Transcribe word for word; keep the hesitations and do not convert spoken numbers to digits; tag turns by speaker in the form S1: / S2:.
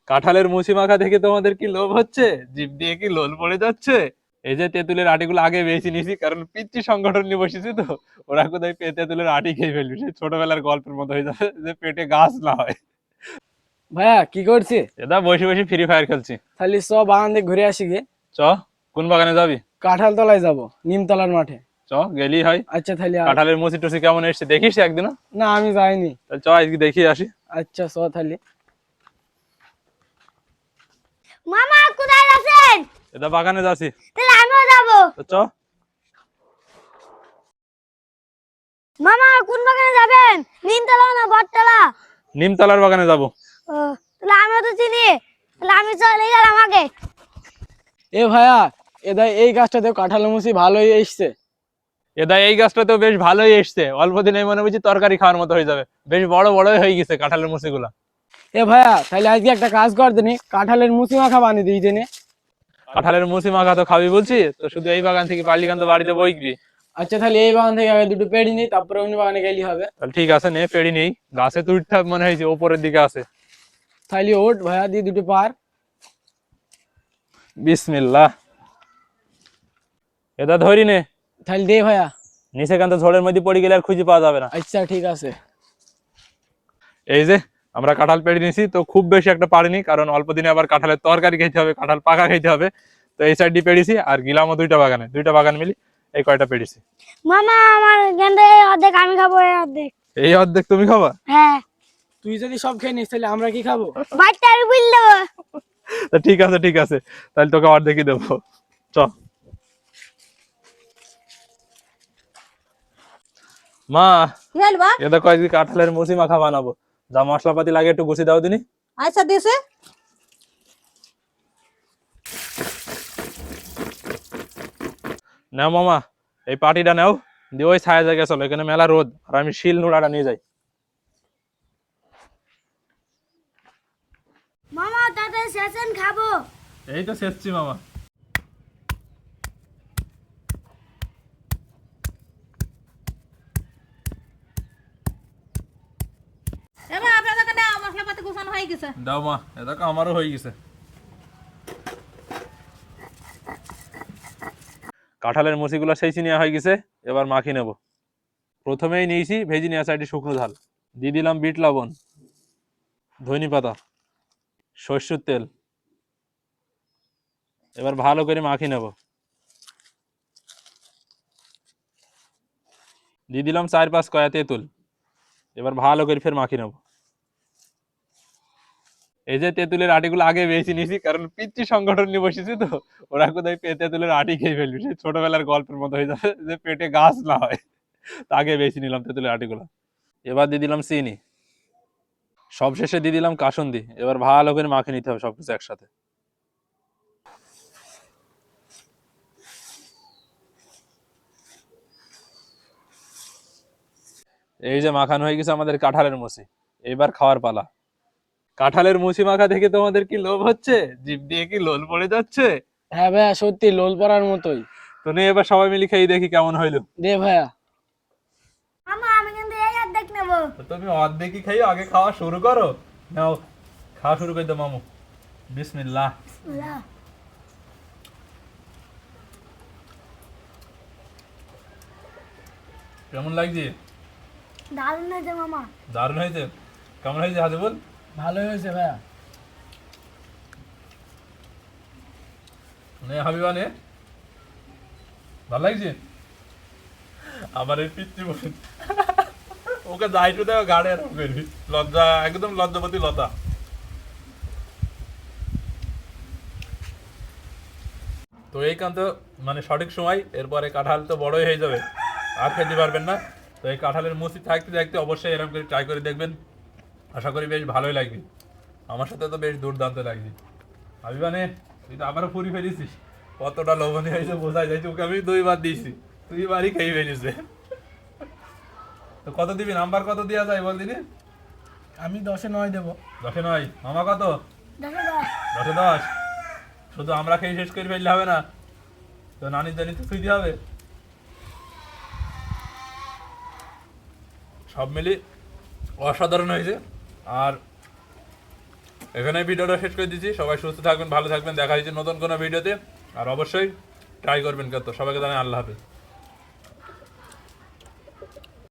S1: কাঁঠালের মুচি মাখা দেখে তোমাদের কি লোভ হচ্ছে? জিভ দিয়ে কি লোল পড়ে যাচ্ছে? এই যে তেঁতুলের আটিগুলো আগে বেছে নিয়েছি, কারণ পিচ্ছি সংগঠন নিয়ে বসেছি তো। ওরা কোথায় পে- তেঁতুলের আটি খেয়ে ফেলবি, সেই ছোটবেলার গল্পের মতো হয়ে যাবে, যে পেটে গাছ না হয়।
S2: ভাইয়া কি করছে?
S1: এটা বসে বসে ফ্রি ফায়ার খেলছি।
S2: তাহলে সব বাগান থেকে ঘুরে আসি গে।
S1: চ, কোন বাগানে যাবি?
S2: কাঁঠাল তলায় যাবো, নিমতলার মাঠে।
S1: চ, গেলি হয়।
S2: আচ্ছা তাহলে আ-
S1: কাঁঠালের মুচি টুচি কেমন এসছে দেখিস একদিন।
S2: না আমি যাইনি।
S1: চ, আজকে দেখি আসি।
S2: আচ্ছা চ তাহলে।
S3: মামা কোথায় আছেন?
S1: এটা বাগানে যাচ্ছি।
S3: তাহলে আমিও যাবো।
S1: তো চ।
S3: মামা কোন বাগানে যাবেন? নিমতলা না বটতলা?
S1: নিমতলার বাগানে যাব।
S3: ও, তাহলে আমিও তো চিনি। তাহলে আমি চলে গেলাম আগে।
S2: এ ভাইয়া, এদা এই গাছটাতেও কাঁঠালের মুচি ভালোই এসছে।
S1: এটা এই গাছটাতেও বেশ ভালোই এসছে, অল্প দিনে মনে বুঝি তরকারি খাওয়ার মতো হয়ে যাবে। বেশ বড় বড় হয়ে গেছে কাঁঠালের মুচি গুলা।
S2: এ ভাইয়া তাহলে আজকে একটা কাজ কর দিনি, কাঁঠালের মুচি মাখা বানিয়ে দিই দিনে।
S1: কাঁঠালের মুচি মাখা তো খাবি বলছি তো, শুধু এই বাগান থেকে পারলি কান তো বাড়িতে বইবি।
S2: আচ্ছা তাহলে এই বাগান থেকে আগে দুটো পেড়ি নিই, তারপরে অন্য বাগানে গেলি হবে।
S1: তাহলে ঠিক আছে, নে পেড়ি নেই। গাছে তো উঠতে হবে মনে হয়েছে, ওপরের দিকে আছে।
S2: তাহলে ওঠ ভাইয়া, দিয়ে দুটো পার।
S1: বিসমিল্লাহ। এটা ধরি নে।
S2: তাহলে দে ভাইয়া।
S1: নিচে কান তো ঝড়ের মধ্যে পড়ে গেলে আর খুঁজে পাওয়া যাবে না।
S2: আচ্ছা ঠিক আছে।
S1: এই যে আমরা কাঁঠাল পেড়ে নিয়েছি, তো খুব বেশি একটা পারিনি, কারণ অল্প দিনে আবার কাঁঠালের তরকারি খেতে হবে, কাঁঠাল পাকা খেতে হবে। তো এই সাইডটি পেড়েছি, আর গিলামও দুইটা বাগানে, দুইটা বাগান মিলি এই কয়টা পেড়েছি।
S3: মামা আমার গেন্দে অর্ধেক আমি খাবো, এই অর্ধেক।
S1: এই অর্ধেক তুমি খাবা?
S3: হ্যাঁ।
S2: তুই যদি সব খেয়ে নিস তাহলে আমরা কি খাবো?
S3: বাড়িতে আমি বুঝ দেবো।
S1: তা ঠিক আছে ঠিক আছে, তাহলে তোকে অর্ধেকই দেবো। চ। মা,
S4: কি হল বা?
S1: এটা কয়েকদিন কাঁঠালের মুচি মাখা বানাবো, যা মশলাপাতি লাগে একটু গুছিয়ে দাও দিনি।
S4: আচ্ছা দিছে।
S1: নাও মামা, এই পাটিটা নাও, দিয়ে ওই ছায়া জায়গায় চলো, এখানে মেলা রোদ, আর আমি শিল নোড়াটা নিয়ে যাই।
S3: মামা তাতে শেষেন খাবো।
S1: এই তো শেষছি মামা।
S4: এবার আপনাদের কাছে মশলাপাতি গুছানো হয়ে গেছে।
S1: দাও মা, এটা আমারও হয়ে গেছে। কাঁঠালের মুচিগুলো সেই নেওয়া হয়ে গেছে, এবার মাখি নেব। প্রথমেই নিয়েছি ভেজি নেওয়া সাইডে শুকনো ঝাল, দিয়ে দিলাম বিট লবণ, ধনে পাতা, সরষের তেল। এবার ভালো করে মাখি নেব। দিয়ে দিলাম চার পাঁচ কয়া তেঁতুল। এবার ভালো করে ফের মাখি নেব। এই যে তেঁতুলের আটিগুলো আগে বেছে নিয়েছি, কারণ পিচ্ছি সংগঠন নিয়ে বসেছি তো। ওরা কোথায় পে- তেঁতুলের আটি খেয়ে ফেলবি, সেই ছোটবেলার গল্পের মতো হয়ে যাবে, যে পেটে গাছ না হয়। তা আগে বেছে নিলাম তেঁতুলের আটিগুলো। এবার দিয়ে দিলাম চিনি, সবশেষে দিয়ে দিলাম কাসুন্দি। এবার ভালো করে মাখিয়ে নিতে হবে সবকিছু একসাথে। এই যে মাখানো হয়ে গেছে আমাদের কাঁঠালের মুচি, এবার খাওয়ার পালা। কাঁঠালের মুচি মাখা দেখে তোমাদের কি লোভ হচ্ছে? জিভ দিয়ে কি লোল পড়ে যাচ্ছে?
S2: হ্যাঁ ভাইয়া সত্যি লোল পড়ার মতোই।
S1: তো নিয়ে এবার সবাই মিলে খেয়ে দেখি কেমন হইলো।
S2: দে ভাইয়া।
S3: মামা আমি কিন্তু এই অর্ধেক নেবো।
S1: তো তুমি অর্ধেকই খাই, আগে খাওয়া শুরু করো। নাও, খাওয়া শুরু করে দাও মামু। বিসমিল্লাহ।
S3: লাও।
S1: কেমন লাগছে?
S3: দারুণ হয়েছে মামা।
S1: দারুণ হয়েছে। কেমন হয়েছে হাজিবুল?
S2: ভালোই হয়েছে ভাইয়া।
S1: নে হাবিবা নে, ভালো লাগছে? আমার এই পিচ্ছি বোন, ওকে যাইটু দেওয়া গাড়ি আর করবি, লজ্জা একদম লজ্জাপতি লতা। তো এই কান্ত মানে সঠিক সময়, এরপরে কাঁঠাল তো বড়ই হয়ে যাবে, আর খেতে পারবেন না। তো এই কাঁঠালের মুচি থাকতে থাকতে অবশ্যই এরকম করে ট্রাই করে দেখবেন, আশা করি বেশ ভালোই লাগবে। আমার সাথে তো বেশ দুর্দান্ত লাগবে। হাবিবা নে, তুই তো আবারও পুরি ফেলেছিস, কতটা লবণী হয়েছে বোঝাই যায়। তোকে আমি দুইবার দিয়েছি, তুই বারই খেয়ে ফেলিস। তো কত দিবি, নাম্বার কত দেওয়া যায় বল দিনি?
S2: আমি দশে নয় দেবো।
S1: দশে নয়। মামা কত?
S3: দেখো দশ।
S1: দশে দশ। শুধু আমরা খেয়ে শেষ করে ফেললে হবে না, তো নানির জানি তো খুঁজতে হবে। সব মিলি অসাধারণ হয়েছে। আর এখানে ভিডিওটা শেষ করে দিচ্ছি। সবাই সুস্থ থাকবেন, ভালো থাকবেন। দেখা হচ্ছে নতুন কোনো ভিডিওতে। আর অবশ্যই ট্রাই করবেন কত। সবাইকে জানাই আল্লাহ হাফেজ।